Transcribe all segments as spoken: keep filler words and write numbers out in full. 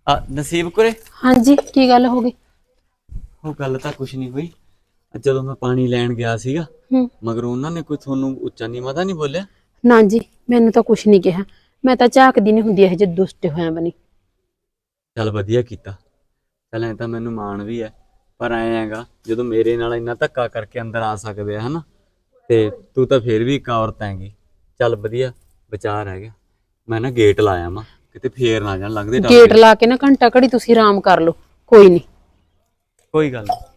ਆ ਨਸੀਬ ਕੋਰੇ। ਹਾਂਜੀ ਕੀ ਗੱਲ ਹੋ ਗਈ? ਉਹ ਗੱਲ ਤਾਂ ਕੁਛ ਨਹੀਂ ਹੋਈ। ਜਦੋਂ ਮੈਂ ਪਾਣੀ ਲੈਣ ਗਿਆ ਸੀਗਾ ਮਗਰ ਉਹਨਾਂ ਨੇ ਕੋਈ ਤੁਹਾਨੂੰ ਉੱਚਾ ਨੀਵਾਂ ਤਾਂ ਨਹੀਂ ਬੋਲਿਆ? ਨਾ ਜੀ ਮੈਨੂੰ ਤਾਂ ਕੁਛ ਨਹੀਂ ਕਿਹਾ। ਮੈਂ ਤਾਂ ਝਾਕਦੀ ਨਹੀਂ ਹੁੰਦੀ ਇਹ ਜੇ ਦੁਸ਼ਟ ਹੋਇਆ ਬਣੀ। ਚੱਲ ਵਧੀਆ ਕੀਤਾ। ਚੱਲ ਐ ਤਾਂ ਮੈਨੂੰ ਮਾਣ ਵੀ ਹੈ, ਪਰ ਐ ਹੈਗਾ ਜਦੋਂ ਮੇਰੇ ਨਾਲ ਇੰਨਾ ਧੱਕਾ ਕਰਕੇ ਅੰਦਰ ਆ ਸਕਦੇ ਆ ਹਨਾ, ਤੇ ਤੂੰ ਤਾਂ ਫੇਰ ਵੀ ਇੱਕ ਔਰਤ ਹੈਗੀ। ਚੱਲ ਵਧੀਆ ਵਿਚਾਰ ਹੈਗਾ। ਮੈਂ ਨਾ ਗੇਟ ਲਾਇਆ ਵਾ ਕਿਤੇ ਫੇਰ ਨਾ ਜਾਣ ਲੱਗਦੇ। ਗੇਟ ਲਾ ਕੇ ਨਾ ਘੰਟਾ ਘੜੀ ਤੁਸੀਂ ਆਰਾਮ ਕਰ ਲਓ, ਕੋਈ ਨਹੀਂ। ਕੋਈ ਗੱਲ ਨਹੀਂ।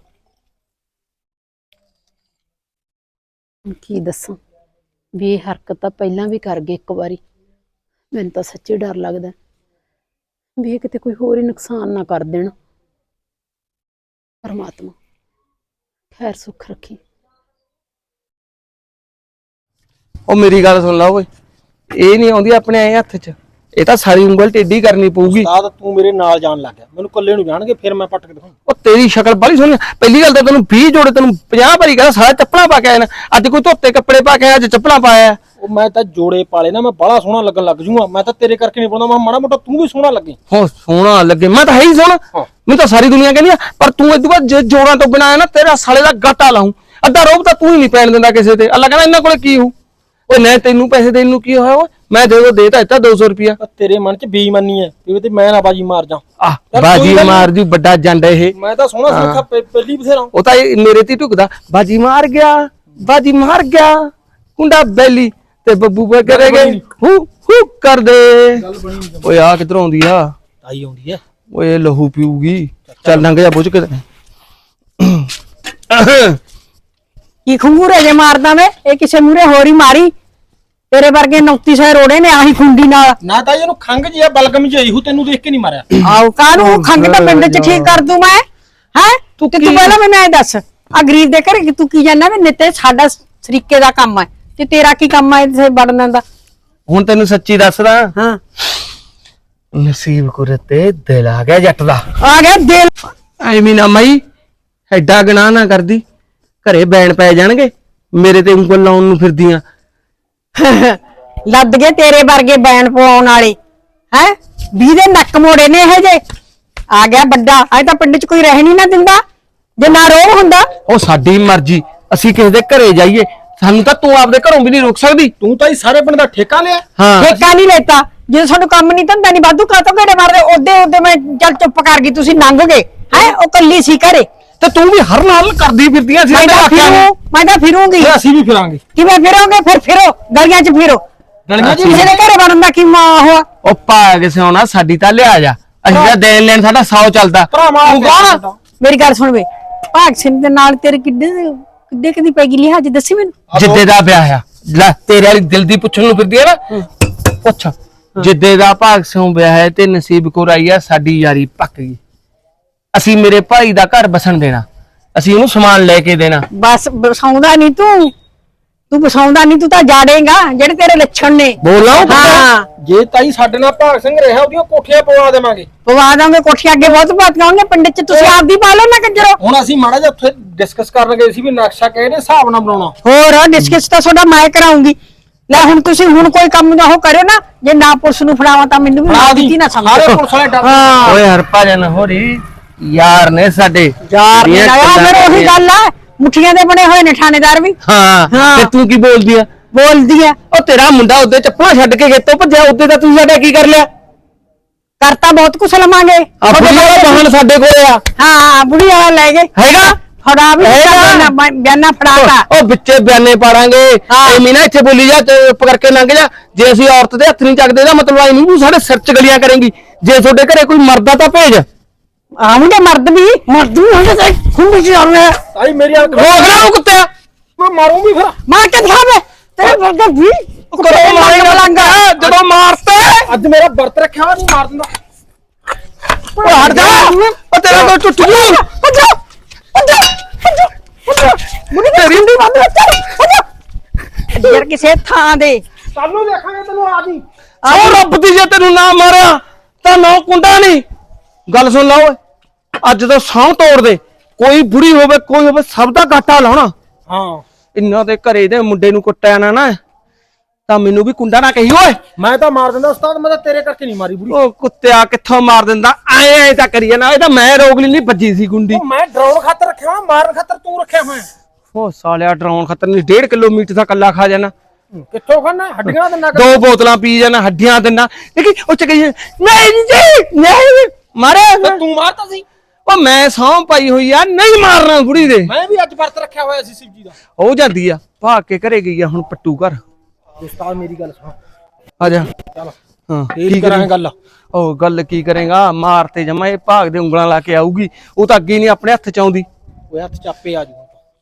ਕੀ ਦੱਸਾਂ ਵੀ ਇਹ ਹਰਕਤ ਤਾਂ ਪਹਿਲਾਂ ਵੀ ਕਰ ਗਏ ਇੱਕ ਵਾਰੀ। ਮੈਨੂੰ ਤਾਂ ਸੱਚੀ ਡਰ ਲੱਗਦਾ ਵੀ ਇਹ ਕਿਤੇ ਕੋਈ ਹੋਰ ਹੀ ਨੁਕਸਾਨ ਨਾ ਕਰ ਦੇਣ। ਪਰਮਾਤਮਾ ਖੈਰ ਸੁੱਖ ਰੱਖੀ। ਉਹ ਮੇਰੀ ਗੱਲ ਸੁਣ ਲਾ ਓਏ, ਇਹ ਨਹੀਂ ਆਉਂਦੀ ਆਪਣੇ ਐ ਹੱਥ 'ਚ, ਇਹ ਤਾਂ ਸਾਰੀ ਉਂਗਲ ਟੇਢੀ ਕਰਨੀ ਪਊਗੀ। ਉਸਤਾਦ ਤੂੰ ਮੇਰੇ ਨਾਲ ਜਾਣ ਲੱਗ ਗਿਆ, ਮੈਨੂੰ ਇਕੱਲੇ ਨੂੰ ਜਾਣਗੇ ਫਿਰ ਮੈਂ ਪੱਟ ਕੇ ਦਿਖਾਉਂ। ਉਹ ਤੇਰੀ ਸ਼ਕਲ ਬੜੀ ਸੋਹਣੀ। ਪਹਿਲੀ ਗੱਲ ਤਾਂ ਤੈਨੂੰ ਵੀਹ ਜੋੜੇ ਤੈਨੂੰ ਪੰਜਾਹ ਵਾਰੀ ਕਹਿੰਦਾ ਸਾਰਾ ਚੱਪਲਾਂ ਪਾ ਕੇ ਆਇਆ ਨਾ। ਅੱਜ ਕੋਈ ਧੋਤੇ ਕੱਪੜੇ ਪਾ ਕੇ ਆਇਆ, ਅੱਜ ਚੱਪਲਾਂ ਪਾਇਆ। ਉਹ ਮੈਂ ਤਾਂ ਜੋੜੇ ਪਾਲੇ ਨਾ, ਮੈਂ ਬੜਾ ਸੋਹਣਾ ਲੱਗਣ ਲੱਗ ਜੂਗਾ। ਮੈਂ ਤਾਂ ਤੇਰੇ ਕਰਕੇ ਨਹੀਂ ਪਾਉਂਦਾ, ਮੈਂ ਮਾੜਾ ਮੋਟਾ ਤੂੰ ਵੀ ਸੋਹਣਾ ਲੱਗੇ। ਹੋ ਸੋਹਣਾ ਲੱਗੇ, ਮੈਂ ਤਾਂ ਹੈ ਹੀ ਸੋਹਣਾ। ਮੈਨੂੰ ਤਾਂ ਸਾਰੀ ਦੁਨੀਆ ਕਹਿੰਦੀ ਆ, ਪਰ ਤੂੰ ਇਦੋਂ ਬਾਅਦ ਜੇ ਜੋੜਾਂ ਤੋਂ ਬਿਨਾਂ ਆਇਆ ਨਾ ਤੇਰਾ ਸਾਲੇ ਦਾ ਗਾਟਾ ਲਾਉਂ। ਅੱਧਾ ਰੋਬ ਤਾਂ ਤੂੰ ਹੀ ਨਹੀਂ ਪੈਣ ਦਿੰਦਾ ਕਿਸੇ ਤੇ। ਅੱਲਾ ਕਹਿੰਦਾ ਇਹਨਾਂ ਕੋਲੇ ਕੀ ਹੋਊ। ਓਏ ਨਹੀਂ ਤੈਨੂੰ ਪੈਸੇ ਦੇਣ ਨੂੰ ਕੀ ਹੋਇਆ ਓਏ, ਮੈਂ ਦੇ ਦੇ ਦਿੱਤਾ ਦੋ ਸੌ ਰੁਪਿਆ। ਤੇਰੇ ਮਨ 'ਚ ਬੇਈਮਾਨੀ ਹੈ ਵੀ ਤੇ ਮੈਂ ਨਾ ਬਾਜੀ ਮਾਰ ਜਾ। ਆਹ ਬਾਜੀ ਮਾਰ ਜੂ ਵੱਡਾ ਜੰਡ ਇਹ। ਮੈਂ ਤਾਂ ਸੋਹਣਾ ਸੁੱਖਾ ਪਹਿਲੀ ਬਥੇਰਾ। ਉਹ ਤਾਂ ਮੇਰੇ ਤੇ ਢੁਕਦਾ, ਬਾਜੀ ਮਾਰ ਗਿਆ ਬਾਜੀ ਮਾਰ ਗਿਆ ਕੁੰਡਾ ਬੈਲੀ ਤੇ ਬੱਬੂ ਬੇ ਕਰੇਗੇ ਹੂ ਹੂ ਕਰ ਦੇ। ਓਏ ਆ ਕਿੱਧਰੋਂ ਆਉਂਦੀ ਆ? ਤਾਈ ਆਉਂਦੀ ਹੈ। ਓਏ ਲਹੂ ਪੀਊਗੀ। ਚੱਲ ਲੰਘ ਜਾ ਬੁੱਝ ਕੇ। ਕੀ ਖੰਗੂਰੇ ਜੇ ਮਾਰਦਾ ਵੇ, ਇਹ ਕਿਸੇ ਮੂਰੇ ਹੋਰ ਹੀ ਮਾਰੀ। ਤੇਰੇ ਵਰਗੇ ਨੌਤੀ ਸੌ ਰੋੜੇ ਨੇ ਆਹੀ ਖੁੰਡੀ ਨਾਲ। ਨਾ ਤਾਂ ਇਹਨੂੰ ਖੰਗ ਜੀ ਆ, ਬਲਗਮ ਜੀ ਆਈ ਹੂ, ਤੈਨੂੰ ਦੇਖ ਕੇ ਨਹੀਂ ਮਾਰਿਆ। ਆਓ ਕਾਹਨੂੰ ਖੰਗ ਤਾਂ ਪਿੰਡ 'ਚ ਠੀਕ ਕਰ ਦੂੰ ਮੈਂ। ਹੈ ਤੂੰ ਤੇ ਤੂੰ ਪਹਿਲਾਂ ਮੈਨੂੰ ਐ ਦੱਸ, ਆ ਗਰੀਬ ਦੇ ਘਰੇ ਤੂੰ ਕੀ ਜਾਣਾ ਵੇ? ਨਿੱਤੇ ਸਾਡਾ ਸਰੀਕੇ ਦਾ ਕੰਮ ਹੈ ਤੇ ਤੇਰਾ ਕੀ ਕੰਮ ਹੈ ਇੱਥੇ ਵੜਨ ਦਾ? ਹੁਣ ਤੈਨੂੰ ਸੱਚੀ ਦੱਸਦਾ, ਹਾਂ ਨਸੀਬ ਕੁਰੇ ਤੇ ਦਿਲ ਆ ਗਿਆ ਜੱਟ ਦਾ। ਆ ਗਿਆ ਦਿਲ। ਐਵੇਂ ਨਾ ਮਾਈ ਐਡਾ ਗੁਨਾਹ ਨਾ ਕਰਦੀ, ਘਰੇ ਬੈਣ ਪੈ ਜਾਣਗੇ। ਮੇਰੇ ਤੇ ਉਂਗਲ ਲਾਉਣ ਨੂੰ ਫਿਰਦੀਆਂ। ਲੱਦ ਗਏ ਤੇਰੇ ਵਰਗੇ ਬੈਣ ਪਵਾਉਣ ਵਾਲੇ। ਹੈ ਵੀਹ ਦੇ ਨੱਕ ਮੋੜੇ ਨੇ ਇਹ ਜੇ। ਆ ਗਿਆ ਵੱਡਾ। ਅੱਜ ਤਾਂ ਪਿੰਡ 'ਚ ਕੋਈ ਰਹਿ ਨਹੀਂ ਨਾ ਦਿੰਦਾ ਜੇ ਨਾ ਰੋਹ ਹੁੰਦਾ। ਉਹ ਸਾਡੀ ਮਰਜ਼ੀ, ਅਸੀਂ ਕਿਸੇ ਦੇ ਘਰੇ ਜਾਈਏ, ਸਾਨੂੰ ਤਾਂ ਤੂੰ ਆਪਦੇ ਘਰੋਂ ਵੀ ਨਹੀਂ ਰੋਕ ਸਕਦੀ। ਤੂੰ ਤਾਂ ਹੀ ਸਾਰੇ ਪਿੰਡ ਦਾ ਠੇਕਾ ਲਿਆ। ਹਾਂ ਠੇਕਾ ਨਹੀਂ ਲੈਤਾ। ਜੇ ਤੁਹਾਨੂੰ ਕੰਮ ਨਹੀਂ ਧੰਦਾ ਨਹੀਂ ਵਾਧੂ ਕਾਤੋਂ ਘੇੜੇ ਮਾਰਦੇ? ਉਹਦੇ ਉਹਦੇ ਮੈਂ ਚੱਲ ਚੁੱਪ ਕਰ ਗਈ, ਤੁਸੀਂ ਲੰਘ ਗਏ। ਹੈ ਉਹ ਕੱਲੀ ਸੀ ਘਰੇ ਤੇ ਤੂੰ ਵੀ ਹਰ ਨਾਲ ਕਰਦੀ ਫਿਰਦੀਆਂ ਸੀ। ਮੈਂ ਤਾਂ ਫਿਰੂ ਮੈਂ ਤਾਂ ਫਿਰੂੰਗੀ। ਅਸੀਂ ਵੀ ਫਿਰਾਂਗੇ। ਕਿਵੇਂ ਫਿਰੋਗੇ? ਫਿਰ ਫਿਰੋ ਗਲੀਆਂ 'ਚ ਫਿਰੋ। ਗਲੀਆਂ 'ਚ ਕਿਸੇ ਦੇ ਘਰੇ ਵੜਨ ਦਾ ਕੀ ਮਾਂ ਹੋਆ? ਉਹ ਪਾ ਕੇ ਸਿਆਉਣਾ ਸਾਡੀ ਤਾਂ ਲਿਆ ਜਾ। ਅਸੀਂ ਤਾਂ ਦੇਣ ਲੈਣ ਸਾਡਾ ਸੌ ਚੱਲਦਾ। ਤੂੰ ਕੌਣ? ਮੇਰੀ ਗੱਲ ਸੁਣ ਵੇ, ਭਾਗ ਸਿੰਘ ਦੇ ਨਾਲ ਤੇਰੇ ਕਿੱਡੇ ਕਿੱਡੇ ਕਦੀ ਪੈ ਗਈ ਲਿਹਾਜ ਦੱਸੀ ਮੈਨੂੰ। ਜਿੱਦੇ ਦਾ ਵਿਆਹ ਆ ਲੈ, ਤੇਰੇ ਵਾਲੀ ਦਿਲ ਦੀ ਪੁੱਛਣ ਨੂੰ ਫਿਰਦੀ ਆ ਨਾ। ਪੁੱਛ ਜਿੱਦੇ ਦਾ ਭਾਗ ਸਿੰਘ ਵਿਆਹ ਹੈ ਤੇ ਨਸੀਬ ਕੌਰ ਆਈ ਆ, ਸਾਡੀ ਯਾਰੀ ਪੱਕ ਗਈ। ਅਸੀਂ ਮੇਰੇ ਭਾਈ ਦਾ ਘਰ ਬਸਣ ਦੇਣਾ, ਅਸੀਂ ਉਹਨੂੰ ਸਮਾਨ ਲੈ ਕੇ ਦੇਣਾ। ਬਸ ਬਸਾਉਂਦਾ ਨਹੀਂ ਤੂੰ ਤੂੰ ਬਸਾਉਂਦਾ ਨਹੀਂ, ਤੂੰ ਤਾਂ ਜਾੜੇਗਾ ਜਿਹੜੇ ਤੇਰੇ ਲੱਛਣ ਨੇ। ਬੋਲਾਂ ਹਾਂ ਜੇ ਤਾਈ ਸਾਡੇ ਨਾਲ ਭਾਗ ਸਿੰਘ ਰਿਹਾ, ਉਹਦੀਆਂ ਕੋਠੀਆਂ ਪਵਾ ਦੇਵਾਂਗੇ। ਪਵਾ ਦਾਂਗੇ ਕੋਠੀਆਂ। ਅੱਗੇ ਬਹੁਤ ਬਾਤਾਂ ਉਹਨੇ ਪਿੰਡ 'ਚ, ਤੁਸੀਂ ਆਪਦੀ ਪਾ ਲਓ ਨਾ ਕੰਜਰੋ। ਹੁਣ ਅਸੀਂ ਮਾੜਾ ਜਿਹਾ ਉੱਥੇ ਡਿਸਕਸ ਕਰਨ ਗਏ ਸੀ ਵੀ ਨਕਸ਼ਾ ਕਿਹੜੇ ਹਿਸਾਬ ਨਾਲ ਬਣਾਉਣਾ। ਹੋਰ ਡਿਸਕਸ ਤਾਂ ਤੁਹਾਡਾ ਮੈਂ ਕਰਾਉਂਗੀ। ਲੈ ਹੁਣ ਤੁਸੀਂ ਹੁਣ ਕੋਈ ਕੰਮ ਨਾ ਉਹ ਕਰਿਓ ਨਾ, ਜੇ ਨਾ ਪੁਲਿਸ ਨੂੰ ਫੜਾਵਾਂ ਤਾਂ ਮੈਨੂੰ ਵੀ ਨਾ ਦਿੱਤੀ ਨਾ ਸਾਰੇ ਸਮਝੋ। ਪੁਲਿਸ ਵਾਲੇ ਡਰ। ਹਾਂ ਓਏ ਹਰਪਾਜਨ ਹੋਰੀ ਯਾਰ ਨੇ ਸਾਡੇ। ਯਾਰ ਨੇ ਆਇਆ ਫਿਰ ਉਹੀ ਗੱਲ ਆ, ਮੁੱਠੀਆਂ ਦੇ ਬਣੇ ਹੋਏ ਨੇ ਥਾਣੇਦਾਰ ਵੀ। ਹਾਂ ਤੇ ਤੂੰ ਕੀ ਬੋਲਦੀ ਆ? ਬੋਲਦੀ ਆ ਉਹ ਤੇਰਾ ਮੁੰਡਾ ਉਹਦੇ ਚੱਪਲਾਂ ਛੱਡ ਕੇ ਖੇਤੋਂ ਭੱਜਿਆ, ਉਹਦੇ ਤਾਂ ਤੂੰ ਸਾਡਾ ਕੀ ਕਰ ਲਿਆ? ਕਰਤਾ ਬਹੁਤ ਕੁਛ ਲਵਾਂਗੇ। ਆ ਬੁੜੀ ਵਾਲਾ ਵਾਹਨ ਸਾਡੇ ਕੋਲ ਆ। ਹਾਂ ਬੁੜੀ ਵਾਲਾ ਲੈ ਗਏ। ਹੈਗਾ ਫੜਾ ਵੀ ਬਿਆਨਾ ਫੜਾਤਾ। ਉਹ ਵਿੱਚੇ ਬਿਆਨੇ ਪਾੜਾਂਗੇ। ਐਵੇਂ ਨਾ ਇੱਥੇ ਬੋਲੀ ਜਾ, ਚੁੱਪ ਕਰਕੇ ਲੰਘ ਜਾ। ਜੇ ਅਸੀਂ ਔਰਤ ਦੇ ਹੱਥ ਨਹੀਂ ਚੱਕਦੇ ਇਹਦਾ ਮਤਲਬ ਆਈ ਨਹੀਂ ਤੂੰ ਸਾਡੇ ਸਿਰ 'ਚ ਗਲੀਆਂ ਕਰੇਂਗੀ। ਜੇ ਤੁਹਾਡੇ ਘਰੇ ਕੋਈ ਮਰਦਾ ਤਾਂ ਭੇਜ। ਆਉਂਦੇ ਮਰਦ ਵੀ ਮਰਦ ਵੀ ਹੁੰਦੇ ਤੇ ਖੁੰਡੀ 'ਚ ਆਉਂਦੇ। ਤਾਈ ਮੇਰੀ ਅੱਖ ਰੋਕ ਲੈ ਉਹ ਕੁੱਤਿਆ। ਮੈਂ ਮਾਰੂੰ ਵੀ ਫਿਰ। ਮਾਰ ਕੇ ਦਿਖਾਵੇ ਤੇਰੇ ਵਰਗਾ ਵੀ ਕਰੋ ਮਾਰੇਗਾ ਲੰਗਾ ਜਦੋਂ ਮਾਰਤਾ। ਅੱਜ ਮੇਰਾ ਵਰਤ ਰੱਖਿਆ ਹੋਇਆ, ਨਹੀਂ ਮਾਰ ਦਿੰਦਾ। ਉਹ ਹਟ ਜਾ, ਉਹ ਤੇਰਾ ਕੋਈ ਟੁੱਟ ਜੂ। ਭੱਜੋ ਭੱਜੋ ਭੱਜੋ ਭੱਜੋ ਮੁੰਡੀ ਤੇਰੀ ਹੁੰਦੀ ਬੰਦ ਭੱਜੋ ਯਾਰ ਕਿਸੇ ਥਾਂ ਦੇ। ਸਾਨੂੰ ਦੇਖਾਂਗੇ ਤੈਨੂੰ ਆ ਜੀ। ਆਹ ਰੱਬ ਦੀ ਜੇ ਤੈਨੂੰ ਨਾ ਮਾਰਿਆ ਤਾਂ ਨੌ ਕੁੰਡਾ ਨਹੀਂ। ਗੱਲ ਸੁਣ ਲਾ ਓਏ, ਅੱਜ ਤੋਂ ਸਾਹ ਤੋੜ ਦੇ। ਕੋਈ ਬੁੜੀ ਹੋਵੇ ਕੋਈ ਹੋਵੇ, ਸਭ ਦਾ ਘਾਟਾ ਲਾਉਣਾ। ਹਾਂ ਇਹਨਾਂ ਦੇ ਘਰੇ ਦੇ ਮੁੰਡੇ ਨੂੰ ਕੁੱਟਿਆ ਨਾ ਨਾ, ਤਾਂ ਮੈਨੂੰ ਵੀ ਕੁੰਡਾ ਨਾ ਕਹੀ ਓਏ। ਮੈਂ ਤਾਂ ਮਾਰ ਦਿੰਦਾ ਉਸਤਾਦ, ਮੈਂ ਤਾਂ ਤੇਰੇ ਕਰਕੇ ਨਹੀਂ ਮਾਰੀ ਬੁੜੀ। ਉਹ ਕੁੱਤਿਆ ਕਿੱਥੋਂ ਮਾਰ ਦਿੰਦਾ, ਐ ਐ ਤਾਂ ਕਰੀਏ ਨਾ, ਇਹ ਤਾਂ ਮੈਂ ਰੋਕ ਲਈ, ਨਹੀਂ ਵੱਜੀ ਸੀ ਗੁੰਡੀ। ਉਹ ਮੈਂ ਡਰਾਉਣ ਖਾਤਰ ਰੱਖਿਆ ਹੋਇਆ, ਮਾਰਨ ਖਾਤਰ ਤੂੰ ਰੱਖਿਆ ਹੋਇਆ। ਉਹ ਸਾਲਿਆ ਡਰਾਉਣ ਖਤਰ ਨਹੀਂ, ਡੇਢ ਕਿਲੋਮੀਟਰ ਦਾ ਕੱਲਾ ਖਾ ਜਾਣਾ, ਕਿੱਥੋਂ ਖਾਣਾ ਹੱਡੀਆਂ ਦੇ ਨਗ। ਦੋ ਬੋਤਲਾਂ ਪੀ ਜਾਣਾ, ਹੱਡੀਆਂ ਦਿੰਦਾ। ਦੇਖੀ ਉਹ ਚ ਕਹੀ ਨਹੀਂ ਜੀ ਨਹੀਂ ਮਾਰਿਆ ਤੇ ਤੂੰ ਮਾਰਤਾ ਸੀ। ਉਹ ਮੈਂ ਸਹੁੰ ਪਾਈ ਹੋਈ ਆ, ਨਹੀਂ ਮਾਰਨਾ ਬੁੜੀ ਦੇ। ਮੈਂ ਵੀ ਅੱਜ ਵਰਤ ਰੱਖਿਆ ਹੋਇਆ ਸੀ ਸ਼ਿਵਜੀ ਦਾ। ਉਹ ਜਾਂਦੀ ਆ ਭਾਗ ਕੇ ਘਰੇ ਗਈ ਆ, ਹੁਣ ਪੱਟੂ ਘਰ। ਉਸਤਾਦ ਮੇਰੀ ਗੱਲ ਸੁਣ, ਆ ਜਾ। ਚੱਲ ਹਾਂ ਕੀ ਕਰਾਂਗੇ ਗੱਲ। ਉਹ ਗੱਲ ਕੀ ਕਰੇਗਾ, ਮਾਰ ਤੇ ਜਮਾ ਇਹ ਭਾਗ ਦੇ ਉਂਗਲਾਂ ਲਾ ਕੇ ਆਊਗੀ। ਉਹ ਤਾਂ ਅੱਗੇ ਨਹੀਂ ਆਪਣੇ ਹੱਥ ਚ ਆਉਂਦੀ। ਉਹ ਹੱਥ ਚਾਪੇ ਆ ਜੂ।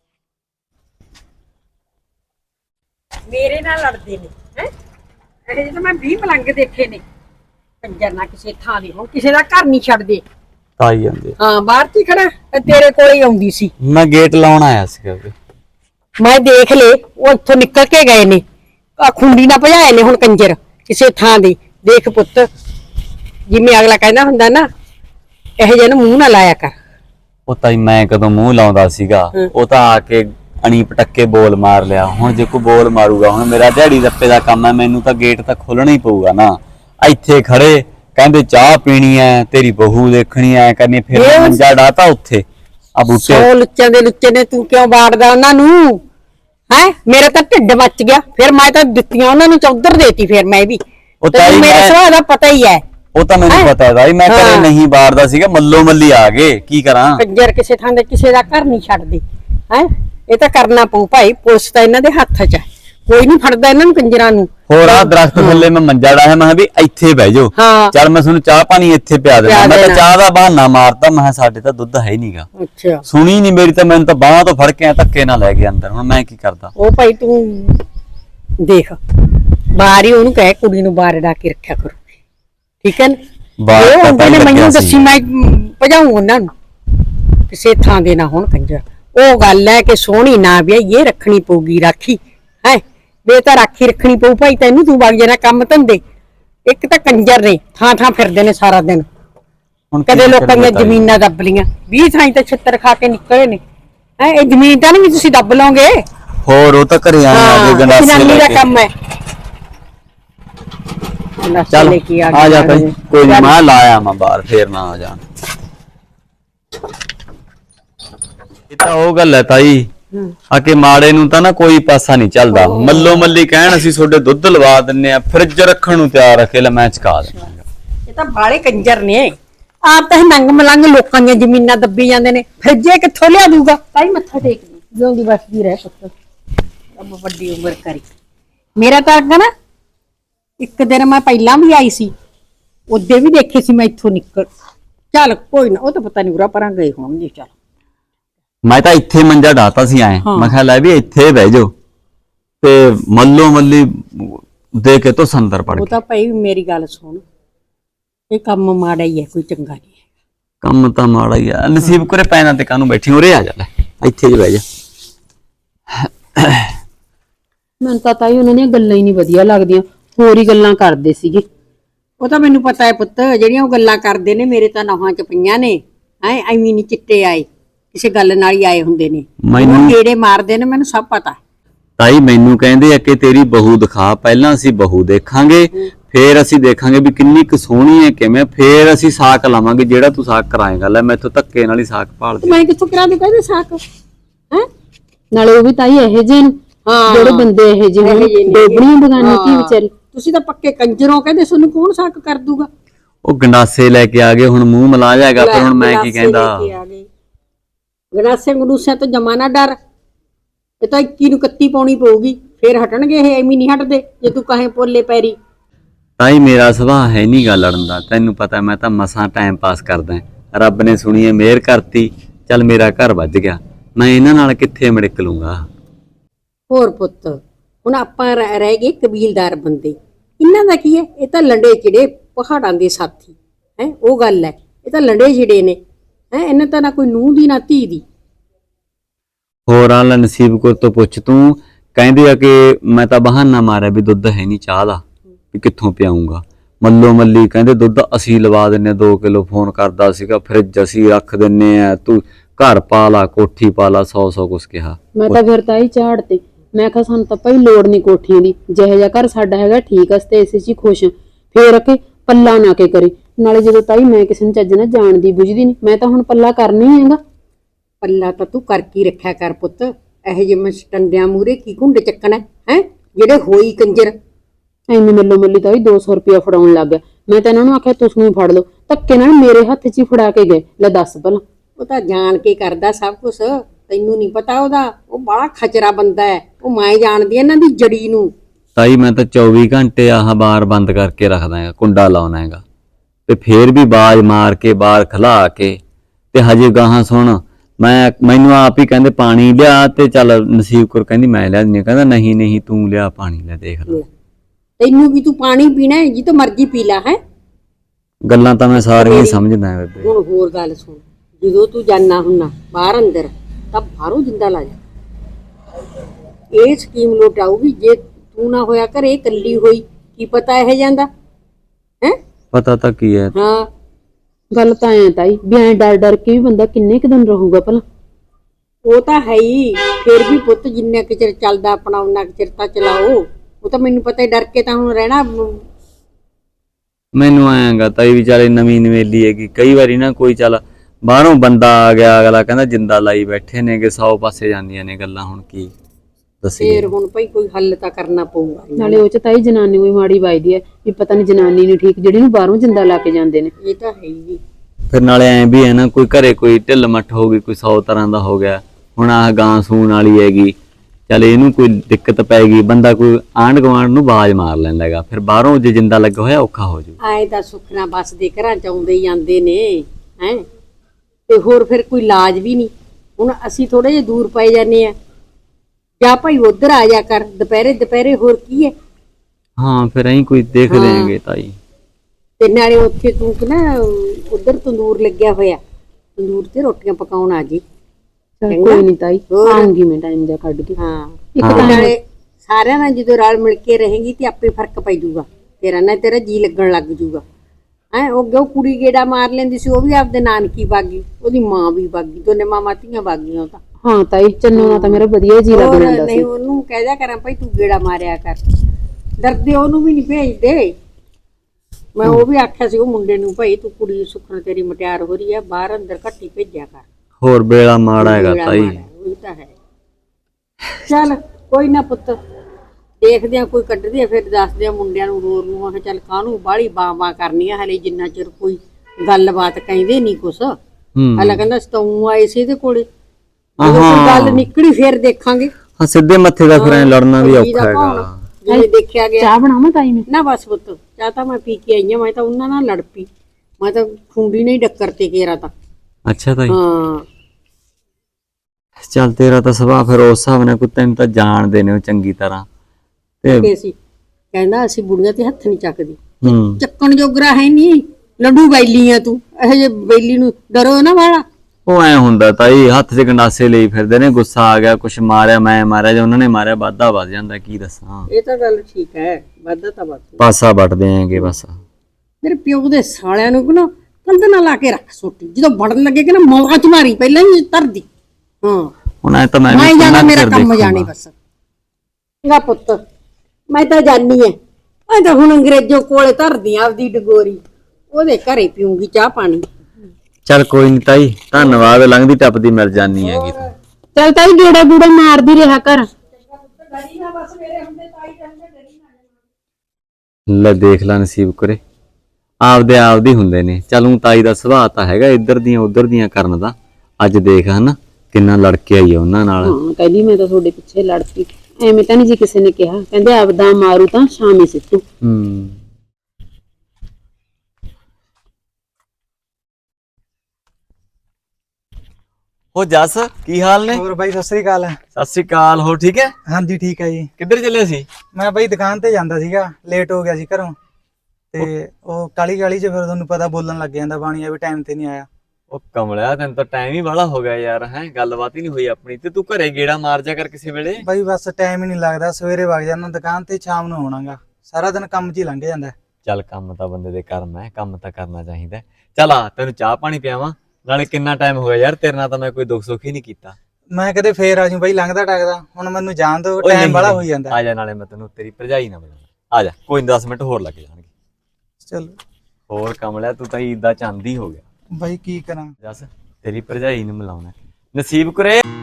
ਮੇਰੇ ਨਾਲ ਲੜਦੇ ਨੇ ਹੈ ਇਹ ਜਦੋਂ ਮੈਂ ਵੀਹ ਮਲੰਗ ਦੇਖੇ ਨੇ, ਕੰਜਰ ਨਾ ਕਿਸੇ ਥਾਂ ਦੇ ਹੁਣ ਕਿਸੇ ਦਾ ਘਰ ਨਹੀਂ ਛੱਡਦੇ। ਤਾਈ ਜਾਂਦੇ। ਹਾਂ ਬਾਹਰ ਚ ਹੀ ਖੜਾ ਤੇ ਤੇਰੇ ਕੋਲੇ ਹੀ ਆਉਂਦੀ ਸੀ। ਮੈਂ ਗੇਟ ਲਾਉਣ ਆਇਆ ਸੀਗਾ ਵੀ। ਮੈਂ ਦੇਖ ਲੇ ਉਹ ਇੱਥੋਂ ਨਿਕਲ ਕੇ ਗਏ ਨੇ, ਆ ਖੁੰਡੀ ਨਾ ਭਜਾਏ ਨੇ ਹੁਣ ਕੰਜਰ ਕਿਸੇ ਥਾਂ ਦੇ। ਦੇਖ ਪੁੱਤ, ਜਿਵੇਂ ਅਗਲਾ ਕਹਿੰਦਾ ਹੁੰਦਾ ਨਾ, ਇਹੋ ਜਿਹੇ ਨੂੰ ਮੂੰਹ ਨਾ ਲਾਇਆ ਕਰ। ਉਹ ਤਾਈ ਮੈਂ ਕਦੋਂ ਮੂੰਹ ਲਾਉਂਦਾ ਸੀਗਾ, ਉਹ ਤਾਂ ਆ ਕੇ ਅਣੀ ਪਟੱਕੇ ਬੋਲ ਮਾਰ ਲਿਆ। ਹੁਣ ਜੇ ਕੋਈ ਬੋਲ ਮਾਰੂਗਾ, ਹੁਣ ਮੇਰਾ ਦਿਹਾੜੀ ਦੱਪੇ ਦਾ ਕੰਮ ਹੈ, ਮੈਨੂੰ ਤਾਂ ਗੇਟ ਤਾਂ ਖੋਲਣਾ ਹੀ ਪਊਗਾ ਨਾ। ਇੱਥੇ ਖੜੇ ਕਹਿੰਦੇ ਚਾਹ ਪੀਣੀ ਐ, ਤੇਰੀ ਬਹੂ ਦੇਖਣੀ ਐ ਕਰਨੀ, ਫਿਰ ਇਹ ਮੰਜਾ ਡਾਤਾ ਉੱਥੇ ਆ ਬੂਟੇ। ਸੌ ਲੁੱਚਾਂ ਦੇ ਲੁੱਚੇ ਨੇ, ਤੂੰ ਕਿਉਂ ਬਾੜਦਾ ਉਹਨਾਂ ਨੂੰ ਹੈ? ਮੇਰਾ ਤਾਂ ਢਿੱਡ ਮੱਚ ਗਿਆ, ਫਿਰ ਮੈਂ ਤਾਂ ਦਿੱਤੀਆਂ ਉਹਨਾਂ ਨੂੰ ਚੌਧਰ ਦੇਤੀ। ਫਿਰ ਮੈਂ ਵੀ ਉਹ ਤੈਨੂੰ ਤਾਈ ਮੇਰੇ ਮੈਂ- ਸੁਭਾਅ ਦਾ ਪਤਾ ਹੀ ਹੈ। ਉਹ ਤਾਂ ਮੈਨੂੰ ਹੈਂ? ਪਤਾ ਹੈ ਤਾਈ, ਮੈਂ ਘਰੇ ਹਾਂ। ਨਹੀਂ ਬਾਰਦਾ ਸੀਗਾ, ਮੱਲੋ ਮੱਲੀ ਆ ਗਏ, ਕੀ ਕਰਾਂ। ਕੰਜਰ ਕਿਸੇ ਥਾਂ ਦੇ ਕਿਸੇ ਦਾ ਘਰ ਨਹੀਂ ਛੱਡਦੇ ਹੈ। ਇਹ ਤਾਂ ਕਰਨਾ ਪਊ ਭਾਈ, ਪੁਲਿਸ ਤਾਂ ਇਹਨਾਂ ਦੇ ਹੱਥ 'ਚ ਹੈ, ਕੋਈ ਨਹੀਂ ਫੜਦਾ ਇਹਨਾਂ ਨੂੰ ਕੰਜਰਾਂ ਨੂੰ। ਹੋਰ ਆ ਦਰਖਤ ਥੱਲੇ ਮੈਂ ਮੰਜਾ ਡਾਇਆ, ਮੈਂ ਕਿਹਾ ਵੀ ਇੱਥੇ ਬਹਿ ਜਾਓ। ਹਾਂ। ਚੱਲ ਮੈਂ ਤੁਹਾਨੂੰ ਚਾਹ ਪਾਣੀ ਇੱਥੇ ਪਿਆ ਦੇਣਾ। ਪਿਆ ਮੈਂ ਤਾਂ ਦੇਣਾ। ਚਾਹ ਦਾ ਬਹਾਨਾ ਮਾਰਤਾ, ਮੈਂ ਕਿਹਾ ਸਾਡੇ ਤਾਂ ਦੁੱਧ ਹੈ ਹੀ ਨਹੀਂਗਾ। ਅੱਛਾ ਸੁਣੀ ਨਹੀਂ ਮੇਰੀ, ਤਾਂ ਮੈਨੂੰ ਤਾਂ ਬਾਹਾਂ ਤੋਂ ਫੜ ਕੇ ਐਂ ਧੱਕੇ ਨਾਲ ਲੈ ਗਿਆ ਅੰਦਰ। ਹੁਣ ਮੈਂ ਕੀ ਕਰਦਾ। ਉਹ ਭਾਈ ਤੂੰ ਦੇਖ, ਬਾਹਰ ਹੀ ਉਹਨੂੰ ਕਹੇ ਕੁੜੀ ਨੂੰ ਬਾਹਰ ਡਾ ਕੇ ਰੱਖਿਆ ਕਰੋ, ਠੀਕ ਹੈ ਨਾ? ਬਾਹਰ ਉਹ ਤਾਂ ਹੁੰਦੇ ਨੇ, ਲੱਗਿਆ ਮੈਨੂੰ ਸੀ। ਦੱਸੀ, ਮੈਂ ਭਜਾਉਂ ਉਹਨਾਂ ਨੂੰ, ਕਿਸੇ ਥਾਂ ਦੇ ਨਾ ਹੋਣ ਕੰਜਰ। ਉਹ ਗੱਲ ਹੈ ਕਿ ਸੋਹਣੀ ਨਾ ਵੀ ਇਹ ਰੱਖਣੀ ਪਊਗੀ ਰਾਖੀ ਹੈ, ਵੇ ਤਾਂ ਰਾਖੀ ਰੱਖਣੀ ਪਊ ਭਾਈ ਤੈਨੂੰ। ਤੂੰ ਵਗ ਜਾਣਾ ਕੰਮ ਧੰਦੇ। ਇੱਕ ਤਾਂ ਕੰਜਰ ਨੇ ਥਾਂ ਥਾਂ ਫਿਰਦੇ ਨੇ ਸਾਰਾ ਦਿਨ, ਹੁਣ ਕੀ ਕਦੇ ਲੋਕਾਂ ਕਰੀਏ ਦੀਆਂ ਤਾਈ? ਜ਼ਮੀਨਾਂ ਦੱਬ ਲੀਆਂ, ਵੀਹ ਥਾਂ ਤਾਂ ਛਿੱਤਰ ਖਾ ਕੇ ਨਿਕਲੇ ਨੇ ਹੈ। ਇਹ ਜ਼ਮੀਨ ਤਾਂ ਨਹੀਂ ਵੀ ਤੁਸੀਂ ਦੱਬ ਲਓਗੇ। ਹੋਰ ਉਹ ਤਾਂ ਘਰੇ ਆਏ ਆ ਜੇ ਗੰਡਾਸੇ ਜਨਾਨੀ ਲੈ ਦਾ ਕੇ। ਕੰਮ ਹੈ। ਗੰਡਾਸੇ ਚੱਲ ਲੈ ਕੇ ਆ ਜਾ ਤਾਈ, ਕੋਈ ਨੀ, ਮੈਂ ਲਾਇਆ ਮੈਂ ਬਾਹਰ, ਫੇਰ ਨਾ ਆ ਜਾਣ। ਇਹ ਤਾਂ ਉਹ ਗੱਲ ਹੈ ਤਾਈ, ਆ ਕੇ ਮਾੜੇ ਨੂੰ ਤਾਂ ਨਾ ਕੋਈ ਪਾਸਾ ਨਹੀਂ ਚੱਲਦਾ। ਮੱਲੋ ਮੱਲੀ ਕਹਿਣ ਅਸੀਂ ਤੁਹਾਡੇ ਦੁੱਧ ਲਵਾ ਦਿੰਨੇ ਆ, ਫਰਿੱਜ ਰੱਖਣ ਨੂੰ ਤਿਆਰ ਰੱਖੇ, ਲੈ ਮੈਂ ਚਕਾ ਦਿੰਦਾ। ਇਹ ਤਾਂ ਬਾਲੇ ਕੰਜਰ ਨੇ, ਆਪ ਤਾਂ ਇਹ ਨੰਗ ਮਲੰਗ ਲੋਕਾਂ ਦੀਆਂ ਜ਼ਮੀਨਾਂ ਦੱਬੀ ਜਾਂਦੇ ਨੇ, ਫਰਿੱਜੇ ਕਿੱਥੋਂ ਲਿਆ ਦੂਗਾ? ਤਾਈ ਮੱਥਾ ਟੇਕ ਦੇ, ਜਿਉਂਦੀ ਵਸਦੀ ਰਹਿ ਪੁੱਤ, ਰੱਬ ਵੱਡੀ ਉਮਰ ਕਰੀ। ਮੇਰਾ ਤਾਂ ਅੱਗਾ ਨਾ, ਇੱਕ ਦਿਨ ਮੈਂ ਪਹਿਲਾਂ ਵੀ ਆਈ ਸੀ, ਉਹਦੇ ਵੀ ਦੇਖੇ ਸੀ ਮੈਂ ਇੱਥੋਂ ਨਿਕਲ। ਚੱਲ ਕੋਈ ਨਾ, ਉਹ ਤਾਂ ਪਤਾ ਨਹੀਂ ਉਰਾ ਪਰਾਂ ਗਏ ਹੋਣਗੇ। ਚੱਲ ਮੈਂ ਤਾਂ ਇੱਥੇ ਮੰਜਾ ਢਾਤਾ ਸੀ ਆਏ, ਮੈਂ ਕਿਹਾ ਲੈ ਵੀ ਇੱਥੇ ਬਹਿ ਜਾਓ, ਤੇ ਮੱਲੋ ਮੱਲੀ ਦੇ ਕੇ ਤੋਂ ਸੰਦਰ ਪੜ ਉਹ ਗਏ। ਤਾਂ ਭਾਈ ਮੇਰੀ ਗੱਲ ਸੁਣ, ਇਹ ਕੰਮ ਮਾੜਾ ਹੀ ਹੈ, ਕੋਈ ਚੰਗਾ ਨਹੀਂ ਹੈ। ਕੰਮ ਤਾਂ ਮਾੜਾ ਹੀ ਆ, ਨਸੀਬ ਕਰੇ ਪੈਣਾ ਤੇ ਕਾਹਨੂੰ ਬੈਠੀ, ਉਰੇ ਆ ਜਾ, ਲੈ ਇੱਥੇ ਹੀ ਬਹਿ ਜਾ। ਮੈਨੂੰ ਤਾਂ ਤਾਈ ਉਹਨਾਂ ਦੀਆਂ ਗੱਲਾਂ ਹੀ ਨਹੀਂ ਵਧੀਆ ਲੱਗਦੀਆਂ, ਹੋਰ ਹੀ ਗੱਲਾਂ ਕਰਦੇ ਸੀਗੇ। ਉਹ ਤਾਂ ਮੈਨੂੰ ਪਤਾ ਹੈ ਪੁੱਤ, ਜਿਹੜੀਆਂ ਉਹ ਗੱਲਾਂ ਕਰਦੇ ਨੇ ਮੇਰੇ ਤਾਂ ਨਹਾਂ ਚ ਪਈਆਂ ਨੇ ਹੈ। ਐਵੇਂ ਨਹੀਂ ਚਿੱਟੇ ਆਏ, ਕਿਸੇ ਗੱਲ ਨਾਲ ਹੀ ਆਏ ਹੁੰਦੇ ਨੇ। ਮੈਨੂੰ- ਉਹ ਕੀੜੇ ਮਾਰਦੇ ਨੇ, ਮੈਨੂੰ ਸਭ ਪਤਾ। ਤਾਈ ਮੈਨੂੰ ਕਹਿੰਦੇ ਆ ਕਿ ਤੇਰੀ ਬਹੂ ਦਿਖਾ, ਪਹਿਲਾਂ ਅਸੀਂ ਬਹੂ ਦੇਖਾਂਗੇ, ਫੇਰ ਅਸੀਂ ਦੇਖਾਂਗੇ ਵੀ ਕਿੰਨੀ ਕੁ ਸੋਹਣੀ ਹੈ, ਕਿਵੇਂ, ਫੇਰ ਅਸੀਂ ਸਾਕ ਲਾਵਾਂਗੇ ਜਿਹੜਾ ਤੂੰ ਸਾਕ ਕਰਾਏਗਾ। ਲੈ ਮੈਥੋਂ ਧੱਕੇ ਨਾਲ ਹੀ ਸਾਕ ਭਾਲ ਦੇ। ਮੈਂ ਕਿੱਥੋਂ ਕਰਾ ਦੇ ਕਹਿੰਦੇ ਸਾਕ ਹੈ। ਨਾਲੇ ਉਹ ਵੀ ਤਾਈ ਇਹੋ ਜਿਹੇ ਨੂੰ, ਹਾਂ ਜਿਹੜੇ ਬੰਦੇ ਇਹੋ ਜਿਹੇ ਇਹੋ ਜਿਹੇ ਨੇ, ਨੇ। ਡੋਬਣੀਆਂ ਬਗਾਨੀ ਕੀ ਵਿਚਾਰੀ। ਤੁਸੀਂ ਤਾਂ ਪੱਕੇ ਕੰਜਰੋਂ, ਕਹਿੰਦੇ ਤੁਹਾਨੂੰ ਕੌਣ ਸਾਕ ਕਰ ਦੂਗਾ? ਉਹ ਗੰਡਾਸੇ ਲੈ ਕੇ ਆ ਗਏ, ਹੁਣ ਮੂੰਹ ਮਲਾ ਜਾਏਗਾ, ਪਰ ਹੁਣ ਮੈਂ ਕੀ ਕਹਿੰਦਾ। ਗਣਾਸੇ ਗਣੂਸਿਆਂ ਤੋਂ ਜਮਾ ਨਾ ਡਰ, ਇਹ ਤਾਂ ਇੱਕੀ ਨੂੰ ਇਕੱਤੀ ਪਾਉਣੀ ਪਊਗੀ, ਫੇਰ ਹਟਣਗੇ ਇਹ, ਐਵੇਂ ਨਹੀਂ ਹਟਦੇ ਜੇ ਤੂੰ ਕਹੇ ਪੋਲੇ ਪੈਰੀ। ਤਾਈ ਮੇਰਾ ਸੁਭਾਅ ਹੈ ਨਹੀਂ ਗਾ ਲੜਨ ਦਾ, ਤੈਨੂੰ ਪਤਾ ਮੈਂ ਤਾਂ ਮਸਾਂ ਟਾਈਮ ਪਾਸ ਕਰਦਾ। ਰੱਬ ਨੇ ਸੁਣੀਏ ਮਿਹਰ ਕਰਤੀ, ਚੱਲ ਮੇਰਾ ਘਰ ਵੱਜ ਗਿਆ, ਮੈਂ ਇਹਨਾਂ ਨਾਲ ਕਿੱਥੇ ਮੜਕ ਲੂੰਗਾ। ਹੋਰ ਪੁੱਤ, ਹੁਣ ਆਪਾਂ ਰਹਿ ਰਹਿ ਗਏ ਕਬੀਲਦਾਰ ਬੰਦੇ, ਇਹਨਾਂ ਦਾ ਕੀ ਹੈ? ਇਹ ਤਾਂ ਲੰਡੇ ਚਿੜੇ ਪਹਾੜਾਂ ਦੇ ਸਾਥੀ ਹੈ, ਉਹ ਗੱਲ ਹੈ। ਇਹ ਤਾਂ ਲੰਡੇ ਚਿੜੇ ਨੇ ਹੈ, ਇਹਨਾਂ ਤਾਂ ਨਾ ਕੋਈ ਨੂੰਹ ਦੀ ਨਾ ਧੀ ਦੀ। ਹੋਰ ਆਲਾ ਨਸੀਬ ਕੌਰ ਤੋਂ ਪੁੱਛ ਤੂੰ, ਕਹਿੰਦੇ ਆ ਕਿ ਮੈਂ ਤਾਂ ਬਹਾਨਾ ਮਾਰਿਆ ਵੀ ਦੁੱਧ ਹੈ ਨਹੀਂ ਚਾਹ ਦਾ, ਵੀ ਕਿੱਥੋਂ ਪਿਆਉਂਗਾ। ਮੱਲੋ ਮੱਲੀ ਕਹਿੰਦੇ ਦੁੱਧ ਅਸੀਂ ਲਵਾ ਦਿੰਨੇ, ਦੋ ਕਿਲੋ ਫੋਨ ਕਰਦਾ ਸੀਗਾ, ਫਰਿੱਜ ਅਸੀਂ ਰੱਖ ਦਿੰਨੇ ਆ, ਤੂੰ ਘਰ ਪਾ ਲਾ, ਕੋਠੀ ਪਾ ਲਾ, ਸੌ ਸੌ ਕੁਛ ਕਿਹਾ। ਮੈਂ ਤਾਂ ਫਿਰ ਤਾਈ ਝਾੜ ਤੇ ਮੈਂ ਕਿਹਾ ਸਾਨੂੰ ਤਾਂ ਭਾਈ ਲੋੜ ਨਹੀਂ ਕੋਠੀਆਂ ਦੀ, ਜਿਹੋ ਜਿਹਾ ਘਰ ਸਾਡਾ ਹੈਗਾ ਠੀਕ ਅਸ ਤੇ ਇਸੇ 'ਚ ਹੀ ਖੁਸ਼ ਹਾਂ। ਫੇਰ ਅਕੇ ਪੱਲਾ ਨਾ ਕੇ ਕਰੇ। ਨਾਲੇ ਜਦੋਂ ਤਾਈ ਮੈਂ ਕਿਸੇ ਨੂੰ ਚੱਜ ਨਾਲ ਜਾਣਦੀ ਬੁਝਦੀ ਨਹੀਂ, ਮੈਂ ਤਾਂ ਹੁਣ ਪੱਲਾ ਕਰਨਾ ਹੀ ਹੈਗਾ। ਪੱਲਾ ਤਾਂ ਤੂੰ ਕਰ ਕੀ ਰੱਖਿਆ ਕਰ ਪੁੱਤ, ਇਹੋ ਜਿਹੇ ਮਸਟੰਡਿਆਂ ਮੂਰੇ ਕੀ ਘੁੰਡ ਚੱਕਣਾ ਹੈ, ਜਿਹੜੇ ਹੋਈ ਕੰਜਰ। ਐਵੇਂ ਮੱਲੋ ਮੱਲੀ ਤਾਈ ਦੋ ਸੌ ਰੁਪਇਆ ਫੜਾਉਣ ਲੱਗ ਗਿਆ। ਮੈਂ ਤਾਂ ਇਹਨਾਂ ਨੂੰ ਆਖਿਆ ਤੁਸੀਂ ਹੀ ਫੜ ਲਓ, ਧੱਕੇ ਨਾਲ ਮੇਰੇ ਹੱਥ 'ਚ ਹੀ ਫੜਾ ਕੇ ਗਏ। ਲੈ ਦੱਸ ਭਲਾ। ਉਹ ਤਾਂ ਜਾਣ ਕੇ ਕਰਦਾ ਸਭ ਕੁਛ, ਤੈਨੂੰ ਨਹੀਂ ਪਤਾ ਉਹਦਾ। ਉਹ ਬੜਾ ਖਚਰਾ ਬੰਦਾ ਹੈ, ਉਹ ਮੈਂ ਜਾਣਦੀ ਇਹਨਾਂ ਦੀ ਜੜੀ ਨੂੰ। ਤਾਈ ਮੈਂ ਤਾਂ ਚੌਵੀ ਘੰਟੇ ਆਹ ਬਾਰ ਬੰਦ ਕਰਕੇ ਰੱਖਦਾ ਹੈਗਾ, ਕੁੰਡਾ ਲਾਉਣਾ ਹੈਗਾ, ਤੇ ਫੇਰ ਵੀ ਬਾਜ਼ ਮਾਰ ਕੇ ਬਾਹਰ ਖਲਾ ਕੇ ਤੇ ਹਜੇ ਗਾਹਾਂ ਸੁਣ, ਮੈਂ ਮੈਨੂੰ ਆਪ ਹੀ ਕਹਿੰਦੇ ਪਾਣੀ ਲਿਆ, ਤੇ ਚੱਲ ਨਸੀਬ ਕੌਰ ਕਹਿੰਦੀ ਮੈਂ ਲਿਆ ਦਿੰਦੀ ਹਾਂ। ਕਹਿੰਦਾ ਨਹੀਂ ਨਹੀਂ ਤੂੰ ਲਿਆ ਪਾਣੀ, ਲੈ ਦੇਖ ਲੈ। ਤੈਨੂੰ ਵੀ ਤੂੰ ਪਾਣੀ ਪੀਣਾ ਹੈ, ਜਿੱਤੋਂ ਮਰਜ਼ੀ ਪੀ ਲੈ ਹੈ। ਗੱਲਾਂ ਤਾਂ ਮੈਂ ਸਾਰੀਆਂ ਹੀ ਸਮਝਦਾ ਬੇਬੇ। ਹੁਣ ਹੋਰ ਗੱਲ ਸੁਣ, ਜਦੋਂ ਤੂੰ ਜਾਣਾ ਹੁੰਨਾ ਬਾਹਰ ਅੰਦਰ ਤਾਂ ਬਾਹਰੋਂ ਜਿੰਦਾ ਲਾ ਜਾ। ਇਹ ਸਕੀਮ ਲੋਟ ਆਊਗੀ ਜੇ ਤੂੰ ਨਾ ਹੋਇਆ ਘਰੇ, ਇਕੱਲੀ ਹੋਈ ਕੀ ਪਤਾ ਇਹ ਜਾਂਦਾ ਹੈ। ਪਤਾ ਤਾਂ ਕੀ ਹੈ। ਹਾਂ ਗੱਲ ਤਾਂ ਐ ਤਾਈ ਵੀ ਐਂ ਡਰ ਡਰ ਕੇ ਵੀ ਬੰਦਾ ਕਿੰਨੇ ਕੁ ਦਿਨ ਰਹੂਗਾ ਭਲਾ। ਉਹ ਤਾਂ ਹੈ ਹੀ, ਫਿਰ ਵੀ ਪੁੱਤ ਜਿੰਨਾ ਕੁ ਚਿਰ ਚੱਲਦਾ ਆਪਣਾ ਉਹਨਾਂ ਕੁ ਚਿਰ ਤਾਂ ਚਲਾਓ। ਉਹ ਤਾਂ ਮੈਨੂੰ ਪਤਾ ਹੀ, ਡਰ ਕੇ ਤਾਂ ਹੁਣ ਰਹਿਣਾ। ਮੈਨੂੰ ਆਏਗਾ ਤਾਈ ਵਿਚਾਰੇ ਨਵੀਂ ਨਵੇਲੀ ਹੈਗੀ, ਕਈ ਵਾਰੀ ਨਾ ਕੋਈ ਚੱਲ ਬਾਹਰੋਂ ਬੰਦਾ ਆ ਗਿਆ, ਅਗਲਾ ਕਹਿੰਦਾ ਜਿੰਦਾ ਲਾਈ ਬੈਠੇ ਨੇਗੇ, ਸੌ ਪਾਸੇ ਜਾਂਦੀਆਂ ਨੇ ਗੱਲਾਂ। ਹੁਣ ਕੀ ਦੱਸੀਏ। ਫੇਰ ਹੁਣ ਭਾਈ ਕੋਈ ਹੱਲ ਤਾਂ ਕਰਨਾ ਪਊਗਾ। ਨਾਲੇ ਉਹ 'ਚ ਤਾਈ ਜਨਾਨੀ ਕੋਈ ਮਾੜੀ ਵੱਜਦੀ ਹੈ ਵੀ ਪਤਾ ਨਹੀਂ ਜਨਾਨੀ ਨਹੀਂ ਠੀਕ ਜਿਹੜੀ ਨੂੰ ਬਾਹਰੋਂ ਜਿੰਦਾ ਲਾ ਕੇ ਜਾਂਦੇ ਨੇ। ਇਹ ਤਾਂ ਹੈ ਹੀ। ਫਿਰ ਨਾਲੇ ਐਂ ਵੀ ਹੈ ਨਾ, ਕੋਈ ਘਰੇ ਕੋਈ ਢਿੱਲ ਮੱਠ ਹੋ ਗਈ, ਕੋਈ ਸੌ ਤਰ੍ਹਾਂ ਦਾ ਹੋ ਗਿਆ। ਹੁਣ ਆਹ ਗਾਂ ਸੂਣ ਵਾਲੀ ਹੈਗੀ, ਚੱਲ ਇਹਨੂੰ ਕੋਈ ਦਿੱਕਤ ਪੈ ਗਈ, ਬੰਦਾ ਕੋਈ ਆਂਢ ਗੁਆਂਢ ਨੂੰ ਬਾਜ਼ ਮਾਰ ਲੈਂਦਾ ਹੈਗਾ, ਫਿਰ ਬਾਹਰੋਂ ਜੇ ਜਿੰਦਾ ਲੱਗਾ ਹੋਇਆ ਔਖਾ ਹੋ ਜੂ। ਆਏ ਤਾਂ ਸੁੱਖਣਾ ਬਸ ਦੇ ਘਰਾਂ ਚ ਆਉਂਦੇ ਹੀ ਜਾਂਦੇ ਨੇ ਹੈ, ਤੇ ਹੋਰ ਫਿਰ ਕੋਈ ਇਲਾਜ ਵੀ ਨਹੀਂ। ਹੁਣ ਅਸੀਂ ਥੋੜੇ ਜਿਹਾ ਦੂਰ ਪਏ ਜਾਂਦੇ ਆ, ਜਾਂ ਭਾਈ ਉਧਰ ਆ ਜਾ ਕਰ ਦੁਪਹਿਰੇ ਦੁਪਹਿਰੇ, ਹੋਰ ਕੀ ਹੈ। ਹਾਂ ਫਿਰ ਐਂ ਕੋਈ ਦੇਖ ਲੈਣਗੇ ਤਾਈ। ਤੇ ਨਾਲੇ ਉੱਥੇ ਤੂੰ ਕਿ ਨਾ ਉਧਰ ਤੰਦੂਰ ਲੱਗਿਆ ਹੋਇਆ, ਤੰਦੂਰ ਤੇ ਰੋਟੀਆਂ ਪਕਾਉਣ ਆ ਜੀ। ਕੋਈ ਨਹੀਂ ਤਾਈ, ਆਉਂਗੀ ਮੈਂ ਟਾਈਮ ਜਿਹਾ ਕੱਢ ਕੇ। ਹਾਂ ਇੱਕ ਤਾਂ ਨਾਲੇ ਸਾਰਿਆਂ ਨਾਲ ਜਦੋਂ ਰਲ ਮਿਲ ਕੇ ਰਹੇਗੀ ਤੇ ਆਪੇ ਫਰਕ ਪੈ ਜਾਊਗਾ ਤੇਰਾ, ਨਾ ਤੇਰਾ ਜੀ ਲੱਗਣ ਲੱਗ ਜਾਊਗਾ ਹੈ। ਉਹ ਅੱਗੇ ਉਹ ਕੁੜੀ ਗੇੜਾ ਮਾਰ ਲੈਂਦੀ ਸੀ, ਉਹ ਵੀ ਆਪਦੇ ਨਾਨਕੀ ਬਾਗੀ, ਉਹਦੀ ਮਾਂ ਵੀ ਬਾਗੀ, ਦੋਨੇ ਮਾਮਾ ਧੀਆਂ ਬਾਗੀਆਂ। ਉਹ ਤਾਂ ਹਾਂ ਤਾਈ ਚੰਨੂ ਨਾਲ ਤਾਂ ਮੇਰਾ ਵਧੀਆ ਜੀ ਲੱਗ ਜਾਂਦਾ ਸੀ। ਨਹੀਂ ਉਹਨੂੰ ਕਹਿ ਦਿਆ ਕਰਾਂ ਭਾਈ ਤੂੰ ਗੇੜਾ ਮਾਰਿਆ ਕਰ, ਡਰਦੇ ਉਹਨੂੰ ਵੀ ਨਹੀਂ ਭੇਜਦੇ। ਮੈਂ ਉਹ ਵੀ ਆਖਿਆ ਸੀ ਉਹ ਮੁੰਡੇ ਨੂੰ, ਭਾਈ ਤੂੰ ਕੁੜੀ ਸੁੱਖਣ ਤੇਰੀ ਮਟਿਆਰ ਹੋ ਰਹੀ ਹੈ, ਬਾਹਰ ਅੰਦਰ ਘੱਟੀ ਭੇਜਿਆ ਕਰ। ਹੋਰ ਬੇੜਾ ਮਾੜਾ ਹੈਗਾ ਬੇੜਾ ਤਾਈ। ਮਾੜਾ, ਉਹੀ ਤਾਂ ਹੈ। ਚੱਲ ਕੋਈ ਨਾ ਪੁੱਤ, ਦੇਖਦੇ ਆ ਕੋਈ ਕੱਢਦੇ ਆ, ਫਿਰ ਦੱਸਦੇ ਆ ਮੁੰਡਿਆਂ ਨੂੰ ਰੋਰ ਨੂੰ। ਆਹ ਚੱਲ ਕਾਹਨੂੰ ਬਾਹਲੀ ਬਾਵਾ ਕਰਨੀ ਆ, ਹਲੇ ਜਿੰਨਾ ਚਿਰ ਕੋਈ ਗੱਲਬਾਤ ਕਹਿੰਦੇ ਨਹੀਂ ਕੁਛ। ਹਲਾ ਕਹਿੰਦਾ ਸਤੋਂ ਆਏ ਸੀ ਇਹਦੇ ਕੋਲੇ, ਜਦੋਂ ਕੋਈ ਗੱਲ ਨਿਕਲੀ ਫਿਰ ਦੇਖਾਂਗੇ। ਹਾਂ ਸਿੱਧੇ ਮੱਥੇ ਦਾ ਫਿਰ ਐਂ ਲੜਨਾ ਵੀ ਔਖਾ ਹੈਗਾ। ਜਿਵੇਂ ਦੇਖਿਆ ਗਿਆ। ਚਾਹ ਬਣਾਵਾਂ ਤਾਈ ਮੈਂ? ਨਾ ਬਸ ਪੁੱਤ, ਚਾਹ ਤਾਂ ਮੈਂ ਪੀ ਕੇ ਆਈ ਆ। ਮੈਂ ਤਾਂ ਉਹਨਾਂ ਨਾਲ ਲੜ ਪਈ, ਮੈਂ ਤਾਂ ਖੁੰਡੀ ਨਹੀਂ ਡੱਕਰ ਤੇ ਕੇਰਾ ਤਾਂ। ਅੱਛਾ ਤਾਈ। ਹਾਂ ਚੱਲ ਤੇਰਾ ਤਾਂ ਸੁਭਾਅ ਫਿਰ ਉਸ ਹਿਸਾਬ ਨਾਲ, ਕੋਈ ਤੈਨੂੰ ਤਾਂ ਜਾਣਦੇ ਨੇ ਉਹ ਚੰਗੀ ਤਰ੍ਹਾਂ। ਤੇ ਸੀ ਕਹਿੰਦਾ ਅਸੀਂ ਬੁੜੀਆਂ ਤੇ ਹੱਥ ਨਹੀਂ ਚੱਕਦੀ, ਹੂੰ ਚੱਕਣ ਜੋਗਰਾ ਹੈ ਨਹੀਂ, ਲੰਡੂ ਬੈਲੀ ਆ ਤੂੰ। ਇਹੋ ਜਿਹੇ ਬੈਲੀ ਨੂੰ ਡਰੋ ਨਾ ਵਾਲਾ। ਉਹ ਐ ਹੁੰਦਾ ਤਾਈ, ਹੱਥ 'ਚ ਗੰਡਾਸੇ ਲਈ ਫਿਰਦੇ ਨੇ, ਗੁੱਸਾ ਆ ਗਿਆ, ਕੁਛ ਮਾਰਿਆ, ਮੈਂ ਮਾਰਿਆ ਜਾਂ ਉਹਨਾਂ ਨੇ ਮਾਰਿਆ, ਵਾਧਾ ਵੱਧ ਜਾਂਦਾ। ਕੀ ਦੱਸਾਂ, ਇਹ ਤਾਂ ਗੱਲ ਠੀਕ ਹੈ, ਵਾਧਾ ਤਾਂ ਵਾਧਾ। ਪਾਸਾ ਵੱਟਦੇ ਆਂਗੇ ਬਸ। ਮੇਰੇ ਪਿਓ ਦੇ ਸਾਲਿਆਂ ਨੂੰ ਨਾ ਕੰਧ ਨਾਲ ਲਾ ਕੇ ਰੱਖ ਸੋਟੀ, ਜਦੋਂ ਵੜਨ ਲੱਗੇ ਕਿ ਨਾ ਮੌਕਾ ਚ ਮਾਰੀ ਪਹਿਲਾਂ ਹੀ ਧਰਦੀ। ਹਾਂ ਹੁਣ ਐ ਤਾਂ ਮੈਂ ਮੈਂ ਵੀ ਜਾਣਾ, ਕਿੰਨਾ ਮੇਰਾ ਚਿਰ ਕੰਮ ਦੇਖੂੰਗਾ। ਜਾਣੀ ਬਸ। ਚੰਗਾ ਪੁੱਤ, ਮੈਂ ਤਾਂ ਜਾਣੀ ਐ। ਮੈਂ ਤਾਂ ਹੁਣ ਅੰਗਰੇਜ਼ੋ ਕੋਲੇ ਧਰਦੀ ਆਪਦੀ ਡਗੋਰੀ, ਉਹਦੇ ਘਰੇ ਪੀਉਂਗੀ ਚਾਹ ਪਾਣੀ। ਚੱਲ ਕੋਈ ਨਹੀਂ ਤਾਈ, ਧੰਨਵਾਦ। ਲੰਘਦੀ ਟੱਪਦੀ ਮਿਲ ਜਾਨੀ ਹੈਗੀ ਤੂੰ। ਚੱਲ ਤਾਈ ਗੇੜਾ ਗੂੜਾ ਮਾਰਦੀ ਰਿਹਾ ਕਰ। ਲੈ ਦੇਖ ਲੈ ਨਸੀਬ ਕਰੇ, ਆਪਦੇ ਆਪਦੇ ਹੁੰਦੇ ਨੇ। ਚੱਲ ਊਂ ਤਾਈ ਦਾ ਸੁਭਾਅ ਤਾਂ ਹੈਗਾ ਇੱਧਰ ਦੀਆਂ ਉੱਧਰ ਦੀਆਂ ਕਰਨ ਦਾ। ਅੱਜ ਦੇਖ ਹਨਾ ਕਿੰਨਾ ਲੜ ਕੇ ਆਈ ਆ ਉਹਨਾਂ ਨਾਲ। ਹਾਂ ਕਹਿੰਦੀ ਮੈਂ ਤਾਂ ਤੁਹਾਡੇ ਪਿੱਛੇ ਲੜ ਪਈ। ਐਵੇਂ ਤਾਂ ਨਹੀਂ ਜੀ ਕਿਸੇ ਨੇ ਕਿਹਾ, ਕਹਿੰਦੇ ਆਪਦਾ ਮਾਰੂ ਤਾਂ ਸ਼ਾਮੇ ਸਿੱਟੂ। ਹੂੰ ਹੋ ਜੱਸ, ਕੀ ਹਾਲ ਨੇ? ਹੋਰ ਬਾਈ ਸਤਿ ਸ੍ਰੀ ਅਕਾਲ। ਸਤਿ ਸ੍ਰੀ ਅਕਾਲ। ਹੋ ਠੀਕ ਹੈ? ਹਾਂਜੀ ਠੀਕ ਹੈ ਜੀ। ਕਿੱਧਰ ਚੱਲੇ ਸੀ? ਮੈਂ ਬਾਈ ਦੁਕਾਨ ਤੇ ਜਾਂਦਾ ਸੀਗਾ, ਲੇਟ ਹੋ ਗਿਆ ਸੀ ਘਰੋਂ, ਤੇ ਉਹ ਕਾਲੀ ਕਾਲੀ ਚ ਫਿਰ ਤੁਹਾਨੂੰ ਪਤਾ ਬੋਲਣ ਲੱਗ ਜਾਂਦਾ, ਬਾਣੀਆ ਵੀ ਟਾਈਮ ਤੇ ਨਹੀਂ ਆਇਆ। ਉਹ ਕਮਲਿਆ, ਤੈਨੂੰ ਤਾਂ ਟਾਈਮ ਹੀ ਵਾਲਾ ਹੋ ਗਿਆ ਯਾਰ। ਹੈ ਗੱਲਬਾਤ ਹੀ ਨਹੀਂ ਹੋਈ ਆਪਣੀ। ਤੇ ਤੂੰ ਘਰੇ ਗੇੜਾ ਮਾਰ ਜਾ ਕਰ ਕਿਸੇ ਵੇਲੇ। ਬਾਈ ਬਸ ਟਾਈਮ ਹੀ ਨਹੀਂ ਲੱਗਦਾ, ਸਵੇਰੇ ਵਗ ਜਾਂਦਾ ਦੁਕਾਨ ਤੇ, ਸ਼ਾਮ ਨੂੰ ਆਉਣਾਗਾ, ਸਾਰਾ ਦਿਨ ਕੰਮ 'ਚ ਹੀ ਲੰਘ ਜਾਂਦਾ। ਚੱਲ ਕੰਮ ਤਾਂ ਬੰਦੇ ਦੇ ਕਰਮ ਹੈ, ਕੰਮ ਤਾਂ ਕਰਨਾ ਚਾਹੀਦਾ। ਚੱਲ ਆ ਤੈਨੂੰ ਚਾਹ ਪਾਣੀ ਪਿਆਵਾਂ। ਨਾਲੇ ਕਿੰਨਾ ਟਾਈਮ ਹੋ ਗਿਆ ਯਾਰ, ਤੇਰੇ ਨਾਲ ਤਾਂ ਮੈਂ ਕੋਈ ਦੁੱਖ ਸੁੱਖ ਹੀ ਨਹੀਂ ਕੀਤਾ। ਮੈਂ ਕਦੇ ਫੇਰ ਆ ਜੂ ਬਾਈ ਲੰਘਦਾ ਟਾਕਦਾ ਹੁਣ ਮੈਨੂੰ ਜਾਣ ਦੋ ਓਏ ਟਾਈਮ ਨਹੀਂ, ਵਾਲਾ ਨਹੀਂ, ਹੋਈ ਜਾਂਦਾ ਆ ਜਾ ਨਾਲੇ ਮੈਂ ਤੈਨੂੰ ਤੇਰੀ ਭਰਜਾਈ ਨਾ ਮਿਲਾਉਣਾ। ਆ ਜਾ ਕੋਈ ਦਸ ਮਿੰਟ ਹੋਰ ਲੱਗ ਜਾਣਗੇ। ਚਲੋ ਹੋਰ ਕਮਲਿਆ ਤੂੰ ਤਾਂ ਈਦ ਦਾ ਚੰਦ ਹੀ ਹੋ ਗਿਆ। ਬਾਈ ਕੀ ਕਰਾਂ। ਜੱਸ ਤੇਰੀ ਭਰਜਾਈ ਨੂੰ ਮਿਲਾਉਣਾ ਨਸੀਬ ਕਰੇ।